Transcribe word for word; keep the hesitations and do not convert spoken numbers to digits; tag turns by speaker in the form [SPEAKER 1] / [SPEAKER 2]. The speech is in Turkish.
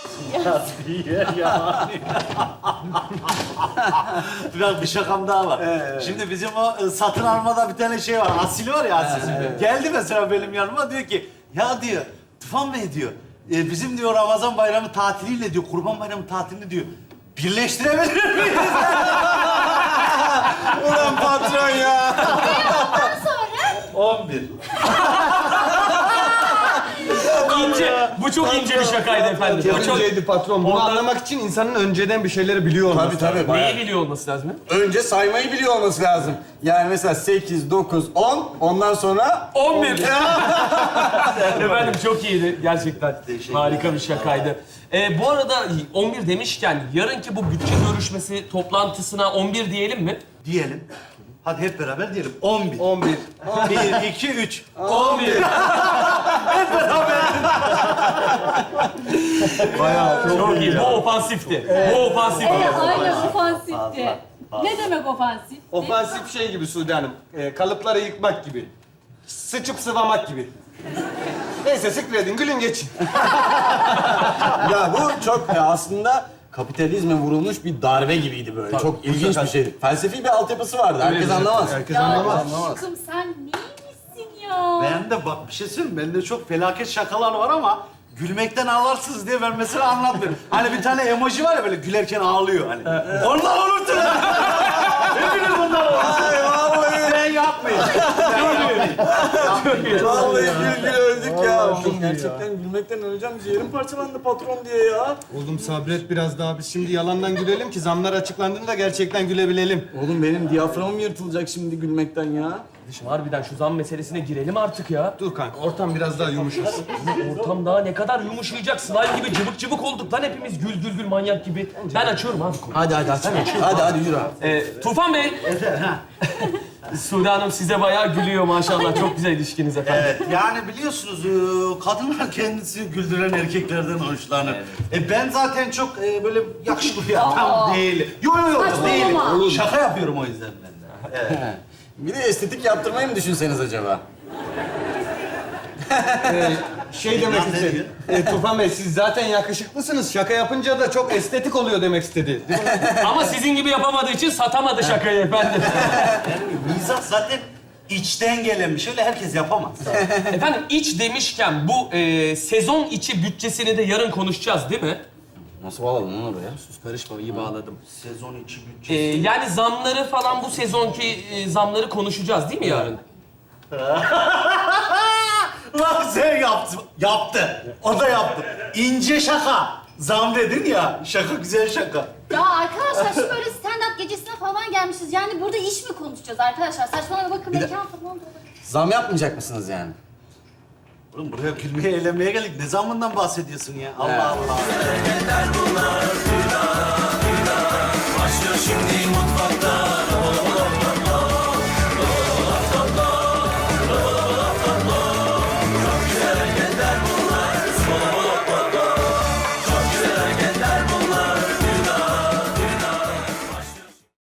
[SPEAKER 1] Asiye yani. Biraz bir şakam daha var.
[SPEAKER 2] Evet.
[SPEAKER 1] Şimdi bizim o e, satın almada bir tane şey var. Asil var ya Asil. Geldi mesela benim yanıma diyor ki ya diyor Tufan Bey diyor e, bizim diyor Ramazan bayramı tatiliyle diyor Kurban bayramı tatilini diyor birleştirebilir miyiz?
[SPEAKER 2] Ulan patron ya.
[SPEAKER 3] Ondan sonra
[SPEAKER 1] on bir.
[SPEAKER 4] İnce. Bu çok ince bir şakaydı efendim. Bu çok...
[SPEAKER 2] Önceydi patron. Bunu
[SPEAKER 4] Ondan-
[SPEAKER 2] anlamak için insanın önceden bir şeyleri biliyor olması
[SPEAKER 5] Tabii tabii.
[SPEAKER 2] lazım.
[SPEAKER 5] bayağı.
[SPEAKER 4] Neyi biliyor olması lazım?
[SPEAKER 5] Önce saymayı biliyor olması lazım. Yani mesela sekiz, dokuz, on, ondan sonra...
[SPEAKER 4] on bir. Efendim çok iyiydi gerçekten. Harika bir şakaydı. Ee, bu arada on bir demişken yarınki bu bütçe görüşmesi toplantısına on bir diyelim mi?
[SPEAKER 1] Diyelim. Hadi hep beraber diyelim. on bir.
[SPEAKER 2] on bir.
[SPEAKER 1] bir, iki, üç.
[SPEAKER 4] on bir.
[SPEAKER 1] Bayağı
[SPEAKER 4] Çok iyi. Bu ofansifti. Bu ofansifti.
[SPEAKER 3] evet, aynen ofansifti. Ne demek ofansif?
[SPEAKER 2] Ofansif şey gibi Sude Hanım. E, kalıpları yıkmak gibi. Sıçıp sıvamak gibi. Neyse sıkredin, gülün geçin.
[SPEAKER 5] Ya bu çok e, aslında kapitalizme vurulmuş bir darbe gibiydi böyle. Çok ilginç bir şeydi. Felsefi bir altyapısı vardı. Herkes anlamaz.
[SPEAKER 2] Herkes
[SPEAKER 3] Ya
[SPEAKER 2] anlamaz.
[SPEAKER 3] aşkım sen neymişsin ya?
[SPEAKER 1] Ben de bak bir şey söyleyeyim mi? Bende çok felaket şakalar var ama gülmekten ağlarsınız diye ben mesela anlatmıyorum. Hani bir tane emoji var ya böyle gülerken ağlıyor hani. Ondan olursun. Hepiniz bundan olursun.
[SPEAKER 5] Ay vallahi.
[SPEAKER 1] Ben yapmayın.
[SPEAKER 5] Vallahi gül gül öldük ya. Oğlum gerçekten gülmekten öleceğim. Ciğerim parçalandı patron diye ya.
[SPEAKER 2] Oğlum sabret biraz daha. Biz şimdi yalandan gülelim ki zamlar açıklandığında gerçekten gülebilelim.
[SPEAKER 5] Oğlum benim diyaframım yırtılacak şimdi gülmekten ya.
[SPEAKER 4] Harbiden şu zam meselesine girelim artık ya.
[SPEAKER 2] Dur kanka, ortam biraz daha yumuşasın.
[SPEAKER 4] Ortam daha ne kadar yumuşayacak. Slime gibi cıvık cıvık olduk lan hepimiz gül gül gül manyak gibi. Ben açıyorum abi konuyu.
[SPEAKER 5] Hadi hadi hadi. Hadi hadi yürü abi.
[SPEAKER 4] Ee, Tufan Bey. Sude Hanım size bayağı gülüyor maşallah. Çok güzel ilişkiniz efendim.
[SPEAKER 1] Evet, yani biliyorsunuz e, kadınlar kendisi güldüren erkeklerden hoşlanır. E ben zaten çok e, böyle yakışıklı bir adam değilim. Yok yok yok değilim.
[SPEAKER 3] Saçmalama.
[SPEAKER 1] Şaka yapıyorum o yüzden ben de. Evet.
[SPEAKER 5] Bir de estetik yaptırmayı mı düşünseniz acaba?
[SPEAKER 2] Şey demek
[SPEAKER 1] Ne
[SPEAKER 2] istedi.
[SPEAKER 1] diyor?
[SPEAKER 2] E, Tufan Bey siz zaten yakışıklısınız. Şaka yapınca da çok estetik oluyor demek istedi. Değil mi?
[SPEAKER 4] Ama sizin gibi yapamadığı için satamadı şakayı efendim.
[SPEAKER 1] Yani mizah zaten içten gelen bir şey. Öyle herkes yapamaz.
[SPEAKER 4] Efendim iç demişken bu e, sezon içi bütçesini de yarın konuşacağız değil mi?
[SPEAKER 5] Nasıl bağladın lan oraya? Sus karışma, iyi bağladım.
[SPEAKER 1] Sezon içi
[SPEAKER 4] E,
[SPEAKER 1] bütçesi.
[SPEAKER 4] yani zamları falan bu sezonki e, zamları konuşacağız değil mi yarın?
[SPEAKER 1] Lan sen yaptı. Yaptı. O da yaptı. İnce şaka. Zam dedin ya. Şaka güzel şaka.
[SPEAKER 3] Ya arkadaşlar şu böyle stand-up gecesine falan gelmişiz. Yani burada iş mi konuşacağız arkadaşlar? Saçmalama bakın
[SPEAKER 5] Bir de-
[SPEAKER 3] mekan falan da olur.
[SPEAKER 5] Zam yapmayacak mısınız yani?
[SPEAKER 1] Oğlum buraya gülmeye, eğlenmeye geldik. Ne zamandan bahsediyorsun ya? Allah Allah.